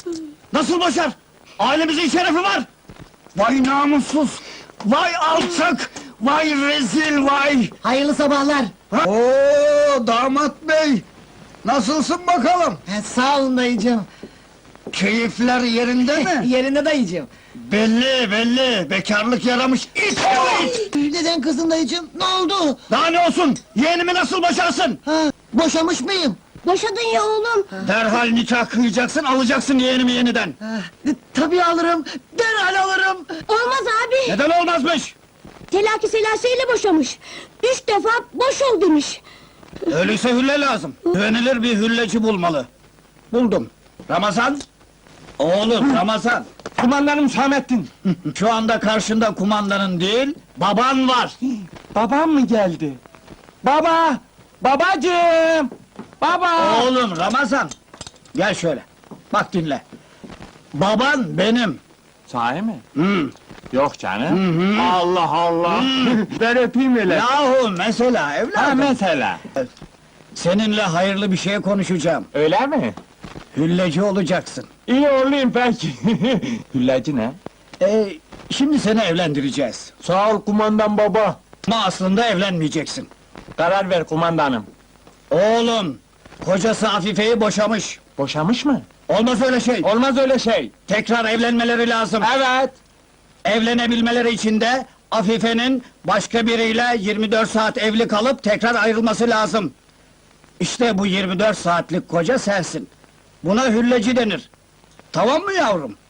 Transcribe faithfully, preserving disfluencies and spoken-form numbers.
Nasıl boşar? Ailemizin şerefi var! Vay namussuz! Vay alçak! Vay rezil vay! Hayırlı sabahlar. Oo damat bey! Nasılsın bakalım? He, sağ olun dayıcığım. Keyifler yerinde mi? Yerinde dayıcığım. Belli belli! Bekarlık yaramış it oğlu it! Neden kızın dayıcığım? Ne oldu? Daha ne olsun? Yeğenimi nasıl boşarsın? Ha, boşamış mıyım? Boşadın ya oğlum. Derhal nikah kıyacaksın, alacaksın yeğenimi yeniden! Ha, e, tabii alırım, derhal alırım. Olmaz abi. Neden olmazmış? Telaki selaseyle boşamış. Üç defa boş ol demiş. Öyleyse hülle lazım. Güvenilir bir hülleci bulmalı. Buldum. Ramazan! Oğlum Ramazan! Kumandanım Hüsamettin. Şu anda karşında kumandanın değil, baban var! Babam mı geldi? Baba! Babacığım! Baba! Oğlum Ramazan! Gel şöyle, bak dinle. Baban benim! Sahi mi? Hı. Yok canım. Hı hı. Allah Allah! Ver öpeyim hele. Yahu mesela Ha evladım! mesela. Seninle hayırlı bir şey konuşacağım. Öyle mi? Hülleci olacaksın. İyi olayım peki. Hüllacı ne? Ee, şimdi seni evlendireceğiz. Sağ ol kumandan baba. Ama aslında evlenmeyeceksin. Karar ver kumandanım. Oğlum, kocası Afife'yi boşamış. Boşamış mı? Olmaz öyle şey. Olmaz öyle şey. Tekrar evlenmeleri lazım. Evet. Evlenebilmeleri için de Afife'nin başka biriyle yirmi dört saat evli kalıp tekrar ayrılması lazım. İşte bu yirmi dört saatlik koca sensin. Buna hülleci denir. Tamam mı yavrum?